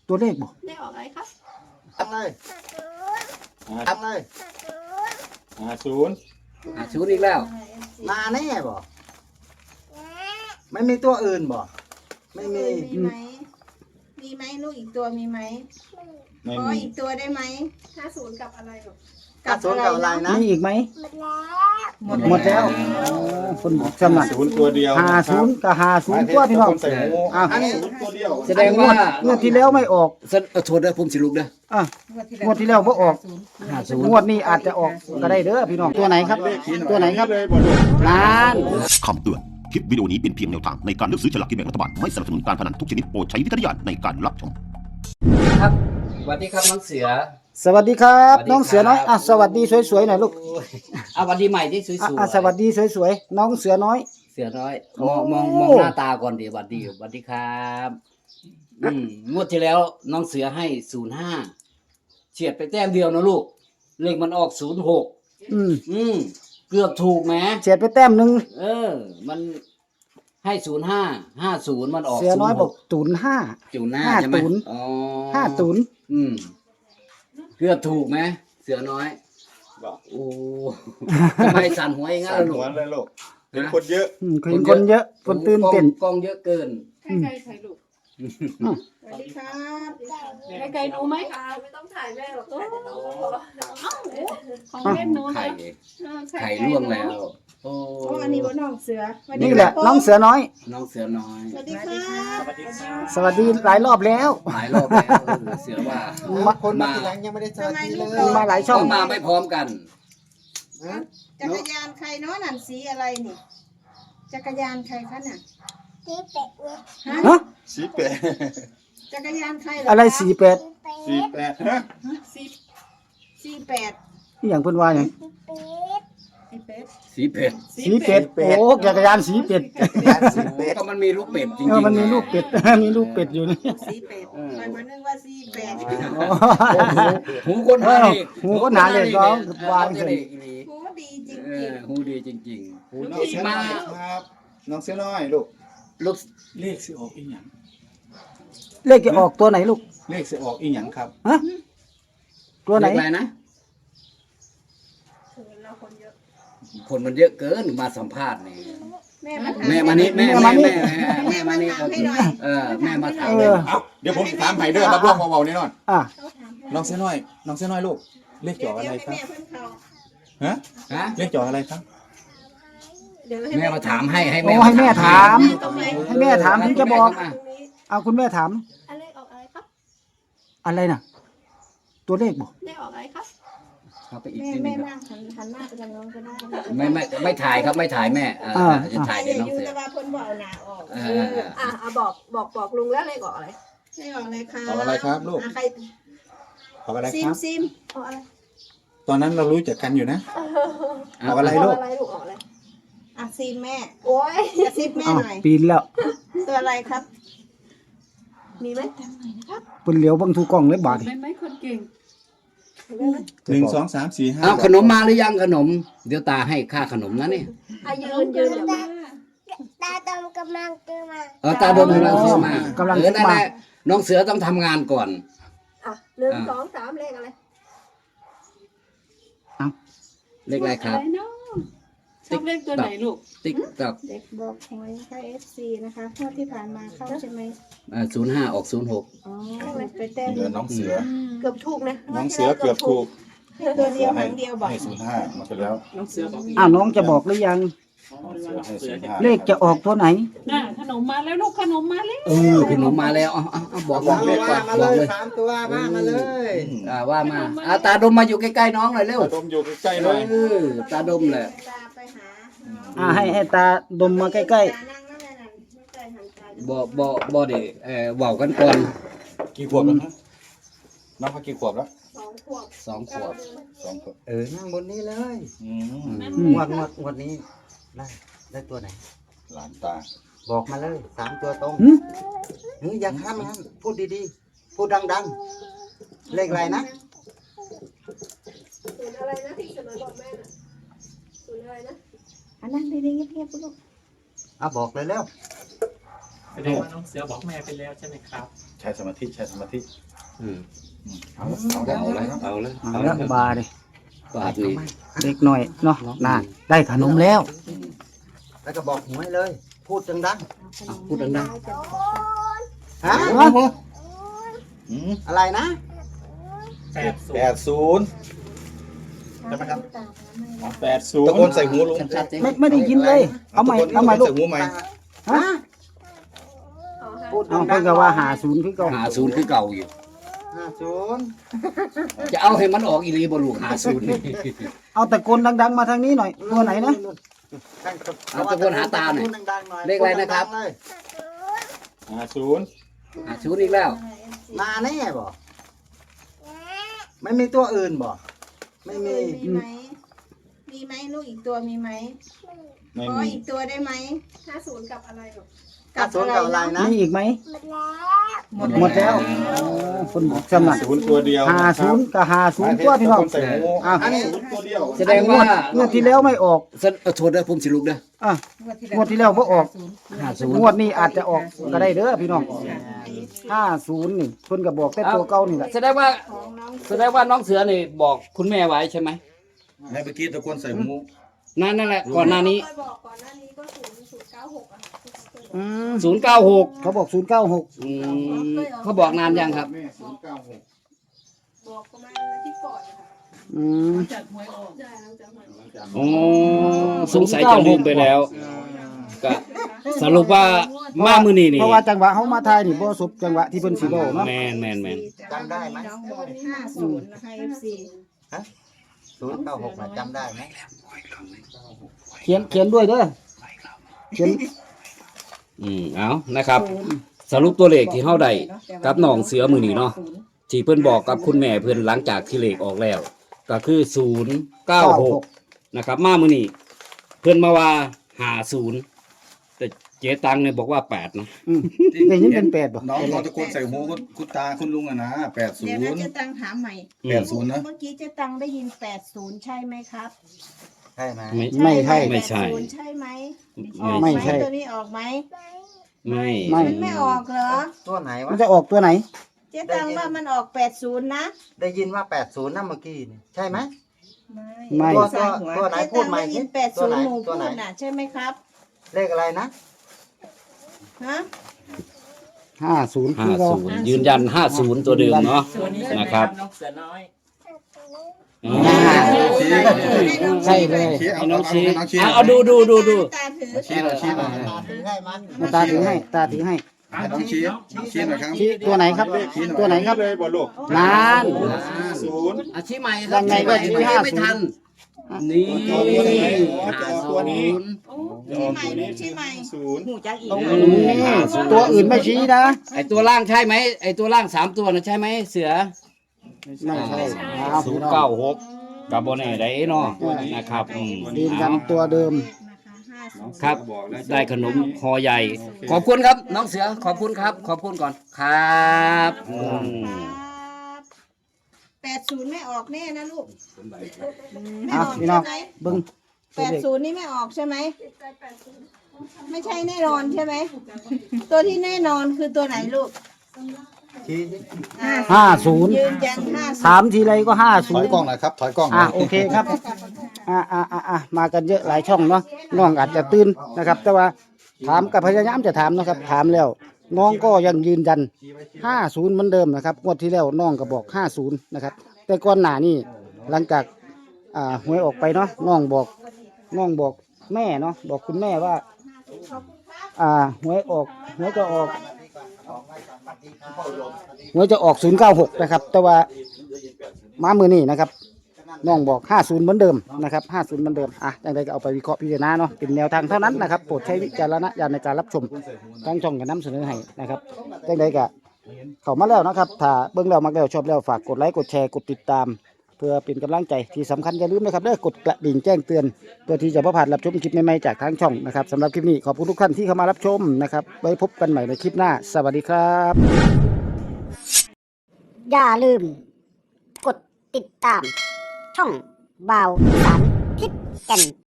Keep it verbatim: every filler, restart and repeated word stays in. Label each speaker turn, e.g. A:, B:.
A: ตัวเลขบอก
B: เลขออกอะไรครับ
C: ตั้งเลยตั้งเลย
D: อ่าศูนย์
E: อ่าศูนย์อีกแล้ว
C: มาแน่บ่ไม่มีตัวอื่นบ่ไม่มี
B: มีไหมมีไหมลูกอีกตัวมีไหมขออีกตัวได้ไหมห้าศูนย์กับอะไรลูก
C: กับศูนย์กับอะไรนะ
A: มีอีกไหมหมดแล้วหมดแล้วคนสมัคร
D: ศูนย์ตัวเดียว
A: หาศูนย์กับหาศูนย์ตัวพี่น้อง
D: อ่าศูนย์ตัวเดียว
E: แสดงว่าง
A: วดที่แล้วไม่ออก
E: โทษนะผมสิลูกเด้อ
A: อ่ะงวดที่แล้วไม่ออกงวดนี้อาจจะออกก็ได้เด้อพี่น้องตัวไหนครับตัวไหนครับล้าน
F: คำเตือนคลิปวิดีโอนี้เป็นเพียงแนวทางในการเลือกซื้อฉลากกินแบ่งรัฐบาลไม่สนับสนุนการพนันทุกชนิดโปรดใช้วิจารณญาณในการรับชม
E: ครับสวัสดีครับน้องเสือ
A: สวัสดีครับน้องเสือน้อยอ่ะสวัสดีสวยๆหน่อยลูก
E: อ่ะสวัสดีใหม่ที่สวย
A: ๆอ่ะสวัสดีสวยๆน้องเสือน้อย
E: เสือน้อยมองมองมองหน้าตาก่อนดิสวัสดีสวัสดีครับอืมงวดที่แล้วน้องเสือให้ศูนย์ห้าเฉียดไปแต้มเดียวนะลูกเลขมันออกศูนย์หก
A: อืม
E: อืมเกือบถูกไหม
A: เฉียดไปแต้มหนึ่ง
E: เออมันให้ศูนย์ห้าห้าศูนย์มันออก
A: เสือน้อยบอกศูนย์ห้า
E: ศูนย์ห้าใช่ไหมอ๋อ
A: ห้าศูนย์
E: อืมเกือบถูกไหมเสือน้อย
D: บอก
E: โอ้ทำไมสั่นหัวอย่างงั้นล่ะลูก
D: สั่นหัวเลยลูกเห็นคนเยอะ
A: เห็นคนเยอะคนตื่นเต้น
E: กล้องเยอะเกิน
B: ใครใครใครลูกสวัสดีครับใครใครรู้ไหมคะไม่ต้องถ่ายแม่หรอกของเล่นหนูนะ
E: ไข่ล่วงแล้วโอ้
B: อันนี้บนน้องเสือ
A: นี่แหละน้องเสือน้อย
E: น้องเสือน้อย
B: สวัสดีครับ
A: สวัสดีหลายรอบแล้ว
E: หลายรอบแล้วเสือว่า
C: คนมาทีหลังยังไม่ได้สวัสดีเลย
A: มาหลายช่อง
E: มาไม่พร้อมกัน
B: จักรยานใครเนาะนั่นสีอะไรนี่จักรยานใครคะน่ะ
C: สีเป็ด
A: ฮะ
D: สีเป็ด
B: จักรยานใคร
A: อะไรสีเป็ด
D: สีเป็ดฮะ
B: สีสีแปด
A: นี่อย่างเพิ่นว่าอย่าง
B: สีเป็ด
E: สีเป็ด
A: สีเป็ดโอ้จักรยานสีเป็ด
E: ก็มันมีลูกเป็ดจริง
A: ๆมันมีลูกเป็ดมีลูกเป็ดอยู่นี่
B: สีเป็ดหมายนึกว่าสีเป็ด
E: หูคนหาเลย
A: หูคนหาเลยก็วาง
B: เลยหูดีจริง
E: ๆหูดีจริง
D: ๆหูน้องเสือน้อยครับน้องเสือน้อยลูก
E: ลูก
D: เลขสิออกอีหยัง
A: เลขจะออกตัวไหนลูก
D: เลขสิออกอีหยังครับ
A: ฮะตัวไหน
E: นะคนมันเยอะเกินมาสัมภาษณ์นี่แม่มานี่แม่แม่แม่แม่มานี่เออแม่มาถาม
D: เดี๋ยวผมถามไผ่เด้อรับรองเบาๆแน่นอน
A: อ่ะ
D: น้องเสือน้อยน้องเสือน้อยลูกเลขจ่ออะไรครับฮะฮะเลขจ่ออะไรครับ
E: แม่มาถามให้ให้แม่
A: ให้แม่ถามให้แม่ถามถึงจะบอกเอาคุณแม่ถาม
B: อะไรออกอะไรครับ
A: อะไรน่ะตัวเลขบอก
B: เลขออกอะไรครับ
E: เขาไปอีก
B: แม่แม่นั่งหันหน้าไปทางน้องก็ได้
E: ไม่ไม่ไม่ถ่ายครับไม่ถ่ายแม่อ่าจะถ่ายเดี๋ยวน้องเสือ
B: แต่ว่าคนบอกเอาหน้าออก
E: อ่
B: าอ่าบอกบอกบอกลุงแล้วเลขออกอะไรเลขออกอะไรครับ
D: ออกอะไรครับลูก
B: ใคร
D: ออกอะไรครับ
B: ซิมซิมออกอะไร
D: ตอนนั้นเรารู้จักกันอยู่นะออกอะไรลูก
B: ออกอะไรลูกออกอะไรอ่ะซิมแม่โอ้ยจะซิมแม่หน่อย
A: ปีนแล้ว
B: ตัวอะไรครับมีไหมจำหน่อยนะครับ
A: เป็นเหลียวบังทูกล้องเลยบาด
B: ไม่ไม่คนเก่ง
D: หนึ่งสองสามสี่ห้า
E: เอาขนมมาหรือยังขนมเดี๋ยวตาให้ค่าขนมนะนี่
B: อายืนยืนเดี๋ยว
C: ตาดมกำลังซื้อมา
E: เออตาดมกำลังซื้อมากำลังซื้อมาน้องเสือต้องทำงานก่อน
B: อ่ะหนึ่งสองสามเลขอะไร
E: เลขอะไรครับ
B: ชอบเลขตัวไหนลูก
E: ติ๊กต๊อก
B: เด็กบอกหวยค่าเอฟซีนะคะงวดที่ผ่านมาเข้าใช่ไหม
E: อ่าศูนย์ห้าออกศูนย์หก
B: อ๋อไปแต้ม
D: น้องเสือ
B: เกือบถูกนะ
D: น้องเสือเกือบถูก
B: ตัวเดียวหางเดียวบอก
D: ให้ศูนย์ห้ามาไปแล้ว
B: น้องเสือบอก
A: อ่าน้องจะบอกหรือยังเลขจะออกตัวไหน
B: น่ะขนมมาแล้วลูกขนมมาแล้ว
E: เออขนมมาแล้วอ๋อบอก
C: บอก
E: เลขก่อน
C: บอกเลยสามตัวว่ามาเลย
E: อ่าว่ามาอ่าตาดมมาอยู่ใกล้ๆน้องหน่อยเร็ว
D: ตาดมอยู่ใกล้ๆหน่อย
E: เออตาดมแหละ
A: อ่าให้ให้ตาดมมาใกล้
E: ๆบ่บ่บ่เดี๋ยวเออเว้ากันก่อน
D: กี่ขวบแล้วนะน้องเขากี่ขวบแล้ว
B: สองขวบ
E: สองขวบ
C: สองขวบเออนั่งบนนี้เลย
A: ง
C: วดงวดงวดนี้ได้ได้ตัวไหน
D: หลานตา
C: บอกมาเลยสามตัวตรงเฮ้ยอย่าข้ามนะพูดดีๆพูดดังๆเลขอะไรนะ
B: ศูนย์อะไรนะที่สมัยบอกแม่น่ะศูนย์อะไรนะอันนั้นดีๆเงียบๆลูก
C: อ่ะบอกเลยแล้ว
G: แสดงว่าน้องเสือบอกแม่ไปแล้วใช่ไหมครับ
D: ใช้สมาธิใช้สมาธิ
E: อืม
D: เอาเอาได้เอาเลยครับ
E: เอาเลย
A: เอาละบาเลย
E: บาทนี้
A: เล็กหน่อยเนาะน่าได้ขนมแล้ว
C: แล้วก็บอกหวยเลย พูดดัง
E: เอาพูดดัง
C: ๆฮะ
D: อืม
C: อะไรนะ
G: แปดศู
D: แป
G: น
D: ด
G: ย์
D: ศูนย์ใช่ไหมครับ
G: แปดศูน
D: ตะ
G: ย์
D: โกนใส่หูลุง
E: ๆชัดๆสิ
A: ไม่ไม่ได้ยินเลย เอาใหม่เอาใหม่ลูก
D: ใส่หูใหม่
A: ฮะ
C: พูด
A: เอา
C: ดั
A: เพิ่
C: ง
A: น
C: ๆ
A: ก็ว่าหาศูนย์คือเก่า
E: หาศูนย์คือเก่าอยู่
C: ห้าศูนย์
E: จะเอาให้มันออกอีหลีบ่ลูกหาศูนย์นี่
A: เอาตะโกนดังๆมาทางนี้หน่อยตัวไหนนะ
E: เอาตะโกนหาตาหน่อย
C: พูดดังๆหน่อย
E: เลขอะไรนะครับ
C: พูดดังๆเลย
D: ห้าศูนย์
E: หาศูนย์อีกแล้ว
C: มาแน่บ่ไม่มีตัวอื่นบ่ไม่มี
B: มีไหมมีไหมลูกอีกตัวมีไหม
D: ไม่
B: ขอ
D: มี
B: อีกตัวได้ไหมห้าศูนย์กับอะไรหรอ
C: ห้าศูนย์กับอะไรนะ
A: มีอีกไหมหมดแล้วโอ้คนบอกสมัคร
D: ศูนย์ตัวเดียว
A: หาศูนย์กับหาศูนย์ตัวพี่น้อง
D: ตะโกใส่หู
A: อ่ะ
D: อันนี้ศูนย์ตัวเดียว
E: แสดงว่า
A: งวดที่แล้วไม่ออก
E: เส้นเอาโทษเด้อผมสิลูกเด้อ
A: อ่ะงวดที่แล้วบ่ออก
E: หาศูนย์
A: งวดนี้อาจจะออกก็ได้เด้อพี่น้องห้าศูนย์นี่เพิ่นก็บอกแต่ตัวเก่านี่แหละ
E: แสดงว่าแสดงว่าน้องเสือนี่บอกคุณแม่ไว้ใช่ไหม
D: ให้เมื่อกี้ตะโกนใส่หู
E: นั่นนั่นแหละก่อนหน้านี้
B: เคยบอกก่อนหน้านี้ก็ศูนย์ศูนย์เก้าหกอ่ะ
A: อืม
E: ศูนย์เก้าหก
A: เขาบอกศูนย์เก้าหก
E: อืมเขาบอกนานยังครับ
D: ศูนย์เก้าหก
B: บอกประมาณอาทิตย์ก่อนนะคะ
A: อืม
B: ใช่หลังจากหวยออก
E: อ๋อสงสัยจะลืมไปแล้วก็สรุปว่ามามือนี่นี่
A: เพราะว่าจังหวะเฮามาทายนี่บ่สบจังหวะที่เพิ่นสิเว้าเนาะ
E: แมนแมนแมน
C: จำได้ไหม
B: น้องบอกห้าศูนย์นะคะ เอฟ ซี
C: ศูนย์เก้าหกนะจำได้ไหม
A: เขียนเขียนด้วยเด้อเขียน
E: อืมเอานะครับ สรุปตัวเลขที่เฮาได้กับน้องเสือมือนี่เนาะที่เพิ่นบอกกับคุณแม่เพิ่นหลังจากที่เลขออกแล้ว ก็คือศูนย์เก้าหกนะครับ มามือนี่เพิ่นมาว่าหาศูนย์แต่เจ๊ตังเนี่ยบอกว่าแปดนะ
A: อืมได้ยินเป็นแปดบ่
D: น้องเขาตะโกนใส่หูคุณคุณตาคุณลุงอะนะแปดศู
B: เดี๋ยวน นะ
D: ย์
B: เจ๊ตังถามใหม่
D: แปดศูนย์นะ
B: เมื่อกี้เจ๊ตังได้ยินแปดศูนย์ใช่ไหมครับ
C: ใช่ไหม
E: ไม่
A: ไม่ใช่
E: ไม่ใช่
B: แปดศูนย์ใช่ไหมอ
E: ไม่
B: อก
A: ไม่
B: ไหม
A: ใช่
B: ตัวนี้ออกไหม
E: ไม่
A: ไม่
B: มันไม่ออกเหรอ
C: ตัวไหน
A: มัน
C: วะ
A: จะออกตัวไหน
B: เจ๊ตังว่ามันออกแปดศูนย์นะ
C: ได้ยินว่าแปดศูนย์นะเมื่อกี้นี่ใช่ไหม
A: ไม่
C: ตัวตัวตัวไหน
B: เจ๊
C: พู
B: ตั
C: ด
B: ง
C: ใหม่
B: ได้
C: สิ
B: ยินแปด
C: ตั
B: ศู
C: วน ไหน
B: ย์หนู
C: ตัว
B: พู
C: ไหน
B: ดน่ะใช่ไหมครับ
C: เลขอะไรนะ
B: ฮะ
A: ห้าศูนย์
E: ห้า
A: คือเรา
E: ศูนย์ยืนยันห้าศูนย์ตัวเดิมเนาะ
G: ตัวนี้ใช่ไหม
E: นะ
G: ค
E: ครั
G: รับ บน้องเสือน้อย
E: อ่า
A: ใช่เลย
D: ชี้เอา
E: ให้น้องชี้
D: น้องชี้
E: เอาเอาดูดูดูดู
B: ตาถือ
D: ชี้หน่อยชี้หน่อย
C: ถือให้มัน
A: มาตาถือให้ตาถือให้
D: ให้น้องชี้ชี้หน่อยครับ
A: ชี้ตัวไหนครับ
D: ชี้หน่อย
A: ตัวไหนครับ
D: เลยบอลลูก
A: นาน
D: ห้าศูนย์
E: อาชีพใหม่ค
A: ยั
E: รับ
A: งไงก็ชี้
E: ไม่
A: ห้าศูนย์
E: ไม่ทัน นี่
D: ตัวนี้จะออกตัวนี้
B: โอ้ชี้ใหม่ลูกชี้ใหม่
D: ศูนย์
B: หูจักอีก
A: ตรงนี้ตัวอื่นไม่ชี้นะ
E: ไอตัวล่างใช่ไหมไอตัวล่างสามตัวนะใช่ไหมเสือ
A: ไม่ใช่เอา
E: ศูนย์เก้าหกกับโบเน่ได้เนาะนะครับอืม
A: ยืนยันตัวเดิม
B: นะคะห้าศูนย์
E: ครับ ได้ขนมคอใหญ่ ขอบคุณครับ น้องเสือขอบคุณครับ ขอบคุณก่อนครับอืม
B: แปดศูนย์ไม่ออกแน่นะลูกไม่
A: อ่ะ
B: ออก
A: พี่น้อง
B: ใช่ไหม
A: เบิ้ง
B: แปดศูนย์นี่ไม่ออกใช่ไหมไม่ใช่แน่นอนใช่ไหมตัวที่แน่นอนคือตัวไหนลูก
C: ชี้สิ
B: อ่ะ
A: ห้าศูนย์
B: ยืนยันห้าศู
A: ถาน ม
B: ย์
A: ทีไรก็ห้า
D: ถ
A: ศู
D: อน ย
A: ย์
D: กล้องหน่อยครับถอยกล้องหน่
A: อ่ะ
D: อย
A: โอเคครับอ่ะอ่ะอ่ะอ่ะมากันเยอะหลายช่องเนาะน้องอาจจะตื่นนะครับ แต่ว่าถามกับพยายามจะถามนะครับ ถามแล้ว น้องก็ยังยืนยันห้าศูนย์เหมือนเดิมนะครับงวดที่แล้วน้องก็บอกห้าศูนย์นะครับ แต่ก่อนหน้านี้หลังจากอ่าหวยออกไปเนาะน้องบอกน้องบอกแม่เนาะบอกคุณแม่ว่า อ่าหวยออกหวยจะออกหวยจะออกศูนย์เก้าหกนะครับ แต่ว่ามามือนี่นะครับน้องบอกห้าศูนย์เหมือนเดิมนะครับห้าศูนย์เหมือนเดิมอ่ะอย่างไรก็เอาไปวิเคราะห์พิจารณาเนาะเป็นแนวทางเท่านั้นนะครับโปรดใช้วิจารณญาณในการรับชมทั้งช่องกับน้ำเสนอให้นะครับอย่างไรก็เข้ามาแล้วนะครับถ้าเบิ่งแล้วมักแล้วชอบแล้วฝากกดไลค์กดแชร์กดติดตาม เพื่อเป็นกำลังใจที่สำคัญอย่าลืมนะครับเด้อกดกระดิ่งแจ้งเตือนเพื่อที่จะไม่พลาดรับชมคลิปใหม่ๆจากทางช่องนะครับสำหรับคลิปนี้ขอบคุณทุกท่านที่เข้ามารับชมนะครับไว้พบกันใหม่ในคลิปหน้าสวัสดีครับ
H: อย่าลืม กดติดตาม ช่องบ่าวอีสานทิศแก่น